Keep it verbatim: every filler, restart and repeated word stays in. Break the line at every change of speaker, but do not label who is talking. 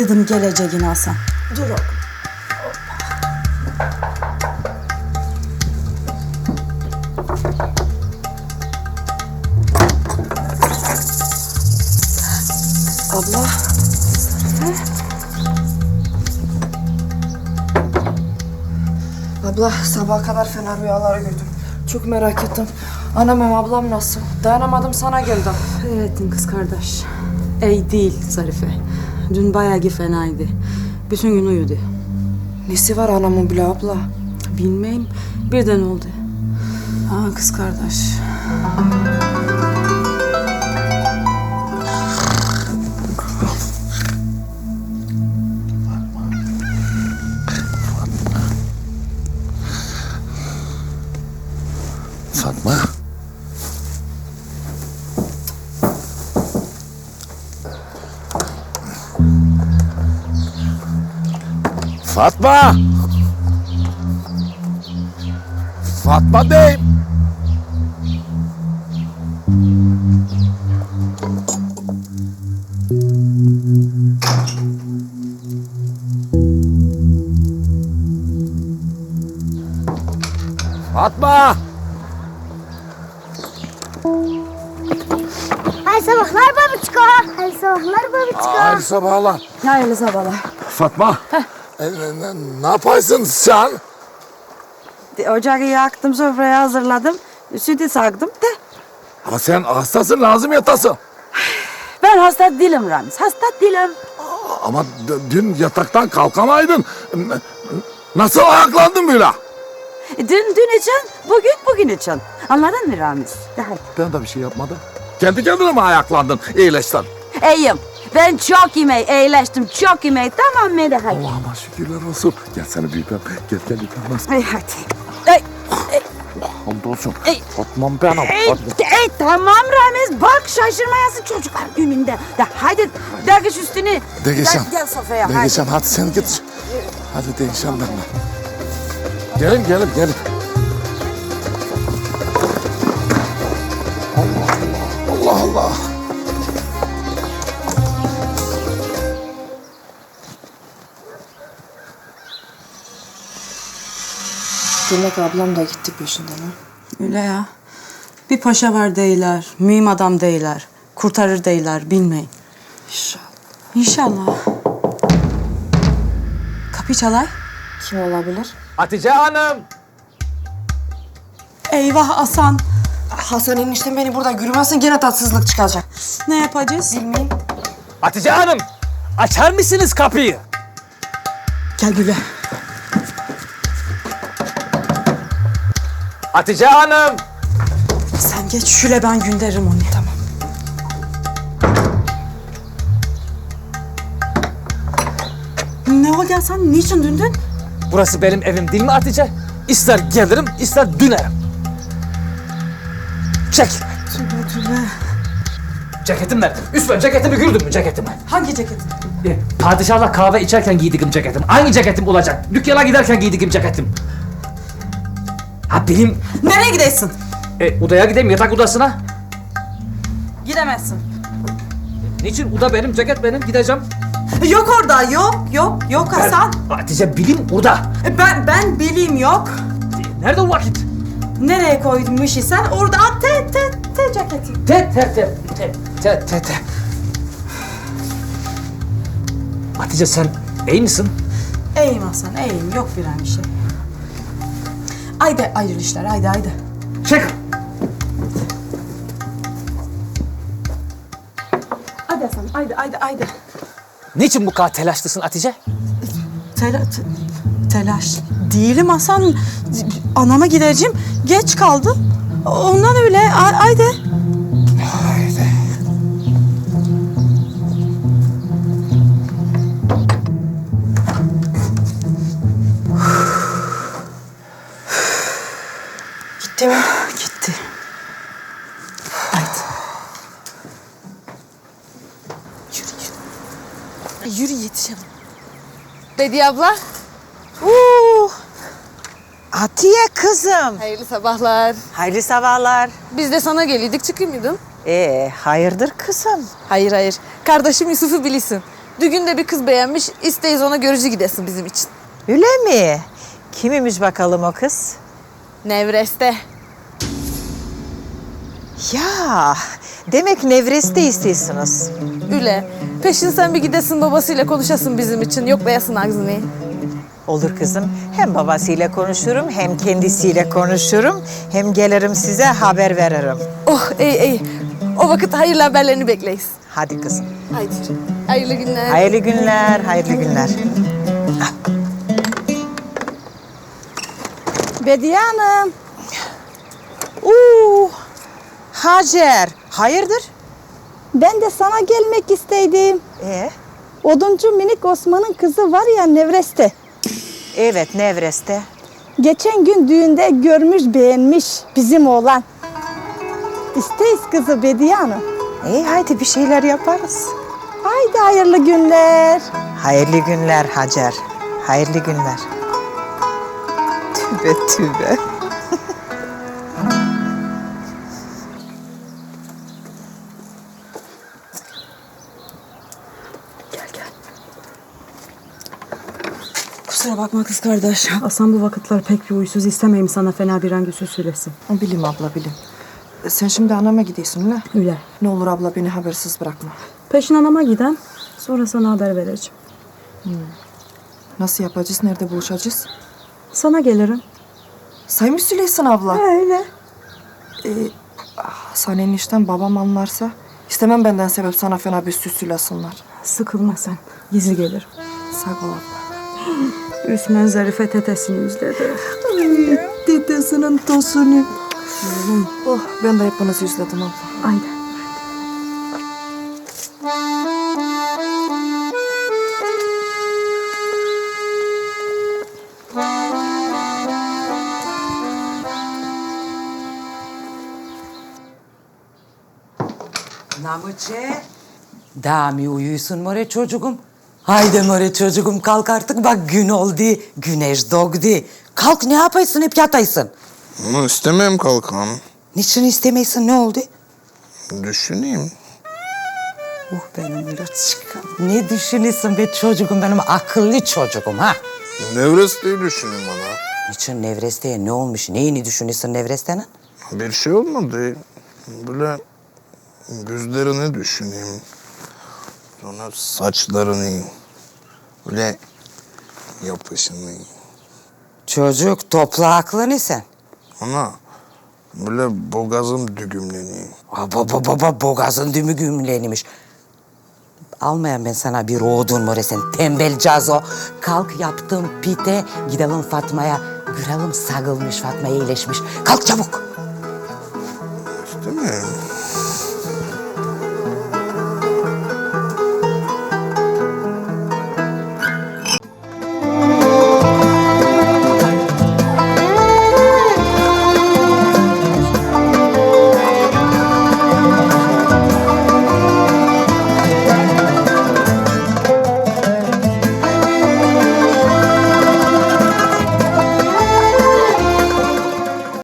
bilirdim geleceğini Hasan. Dur oğlum. Abla. He? Abla sabaha kadar fena rüyalar gördüm. Çok merak ettim. Anam hem ablam nasıl? Dayanamadım sana geldim.
Evet kız kardeş. İyi değil Zarife. Dün bayağı fenaydı. Bütün gün uyudu.
Nesi var anamın bile abla?
Bilmeyim. Birden oldu. Ha kız kardeş.
Fatma. Fatma. Fatma beyim. Fatma.
Hayırlı sabahlar babiçko. Hayırlı sabahlar babiçko.
Hayırlı sabahlar.
Hayırlı sabahlar.
Fatma. E, ne, ne yapıyorsun sen?
Ocağı yaktım, sofrayı hazırladım. Sütü saktım de.
Ha sen hastasın, lazım yatasın.
Ben hasta değilim Ramiz, hasta değilim.
Ama d- dün yataktan kalkamaydın. N- Nasıl ayaklandın böyle?
Dün dün için, bugün bugün için. Anladın mı Ramiz? De hadi.
Ben de bir şey yapmadım. Kendi kendine mi ayaklandın? İyileştin.
İyiyim. Ben çok iyiyim, iyileştim. Çok iyiyim. Tamam mı? De hadi.
Allah'ıma şükürler olsun. Gel seni büyüpem. Gel gel yıkanmaz.
Ay hadi. Ay,
Hamdolsun.
Ey.
Fatma'm benim.
ay, ay, tamam Ramiz. Bak şaşırmayasın çocuklar gününde. De hadi. Dergiş üstünü.
Değişem.
Gel, gel sofraya. hadi.
Değişem hadi sen git. Hadi değişem benimle. Gelin gelin gelin. Allah Allah. Allah Allah.
Demek ablam da gitti peşinden ha.
Öyle ya. Bir paşa var değiller, mühim adam değiller, kurtarır değiller, bilmeyin.
İnşallah.
İnşallah. Kapı çalay.
Kim olabilir?
Hatice Hanım.
Eyvah Hasan.
Hasan eniştem beni burada görmezsen gene tatsızlık çıkacak.
Ne yapacağız?
Bilmeyeyim.
Hatice Hanım. Açar mısınız kapıyı?
Gel Güle.
Hatice Hanım.
Sen geç şöyle ben gönderirim onu. Tamam. Ne oldu Hasan? Niçin döndün?
Burası benim evim değil mi Hatice? İster gelirim, ister dönerim. Çek.
Tübe tübe.
Ceketim nerede? Üstüme ceketimi gördün mü ceketimi?
Hangi ceket?
E, padişahla kahve içerken giydiğim ceketim. Aynı ceketim olacak. Dükkana giderken giydiğim ceketim. Ha benim...
Nereye gidesin?
E, odaya gideyim, yatak odasına.
Gidemezsin.
Niçin? Oda benim, ceket benim. Gideceğim.
Yok orada, yok, yok, yok Hasan.
Ben- Hatice bilim orada.
Ben, ben bileyim yok.
E, Nerede o vakit?
Nereye koydun işi sen? Orada at te te te ceketi.
Te te te te te te te. Hatice sen iyi misin?
İyiyim Hasan, iyiyim. Yok bir an bir şey. Haydi ayrıl işler, haydi haydi.
Çık.
Haydi Hasan, haydi haydi haydi.
Niçin bu kadar telaşlısın Hatice?
Tela, te- telaş değilim Hasan. Anama gideceğim. Geç kaldım. Ondan öyle. Hay- Haydi.
Haydi.
Gitti mi?
Gitti. Haydi.
Yürü yürü yetişelim.
Bediye abla,
Oo, Atiye kızım.
hayırlı sabahlar.
Hayırlı sabahlar.
Biz de sana geliydik, çıkıyor muydun?
Ee, hayırdır kızım?
Hayır hayır, kardeşim Yusuf'u bilirsin. Düğünde bir kız beğenmiş, isteyiz ona görücü gidesin bizim için.
Öyle mi? Kimmiş bakalım o kız?
Nevreste.
Ya demek Nevres'te istiyorsunuz.
Üle. Peşin sen bir gidesin babasıyla konuşasın bizim için. Yoklayasın ağzını.
Olur kızım. Hem babasıyla konuşurum hem kendisiyle konuşurum. Hem gelirim size haber veririm.
Oh iyi iyi. O vakit hayırlı haberlerini bekleyiz.
Hadi kızım.
Haydi. Hayırlı günler.
Hayırlı günler, hayırlı günler.
Bediye Hanım.
Uuu, Hacer, hayırdır?
Ben de sana gelmek isteydim.
Ee,
Oduncu minik Osman'ın kızı var ya Nevres'te.
evet, Nevres'te.
Geçen gün düğünde görmüş beğenmiş bizim oğlan. İsteyiz kızı Bediye Hanım.
İyi, haydi bir şeyler yaparız.
Haydi hayırlı günler.
Hayırlı günler Hacer, hayırlı günler. Tübe tübe.
Kusura bakma kız kardeş. Hasan bu vakitler pek bir uysuz, istemeyim sana fena bir hangi söz söylesin.
Bileyim abla bileyim. Sen şimdi anama gidiyorsun ne?
Öyle.
Ne olur abla beni habersiz bırakma.
Peşin anama giden, sonra sana haber vereceğim.
Nasıl yapacağız? Nerede buluşacağız?
Sana gelirim.
Say mı söyleysin abla?
Öyle.
Sen enişten babam anlarsa istemem benden sebep sana fena bir süs söylesinler.
Sıkılma sen. Gizli gelirim.
Sağ ol abla.
Üsmen Zarife tetesini izledi.
Dedesinin tosunu. Oh, ben de hepinizi üzledim abla.
Aynen.
Namuçe. Daha mı uyuyorsun more çocuğum? Haydi more çocuğum kalk artık bak gün oldu. Güneş doğdu. Kalk ne yapaysın hep yataysın.
Bunu istemem kalkan.
Niçin istemeysin ne oldu?
Düşüneyim.
Oh benim loçkam. Ne düşünüyorsun be çocuğum benim akıllı çocuğum ha?
Nevreste'yi düşüneyim bana.
Niçin Nevreste'ye ne olmuş? Neyini düşünüyorsun Nevreste'nin?
Bir şey olmadı. Böyle gözlerini düşüneyim. Sonra saçlarını. Böyle yapışını.
Çocuk topla aklını sen.
Ana böyle boğazım düğümleniyor.
Baba baba baba boğazın dümü gümlenmiş. Almayan ben sana bir odun more sen tembel cazo. Kalk yaptım pite gidelim Fatma'ya. Görelim sagılmış Fatma iyileşmiş. Kalk çabuk.
Değil mi?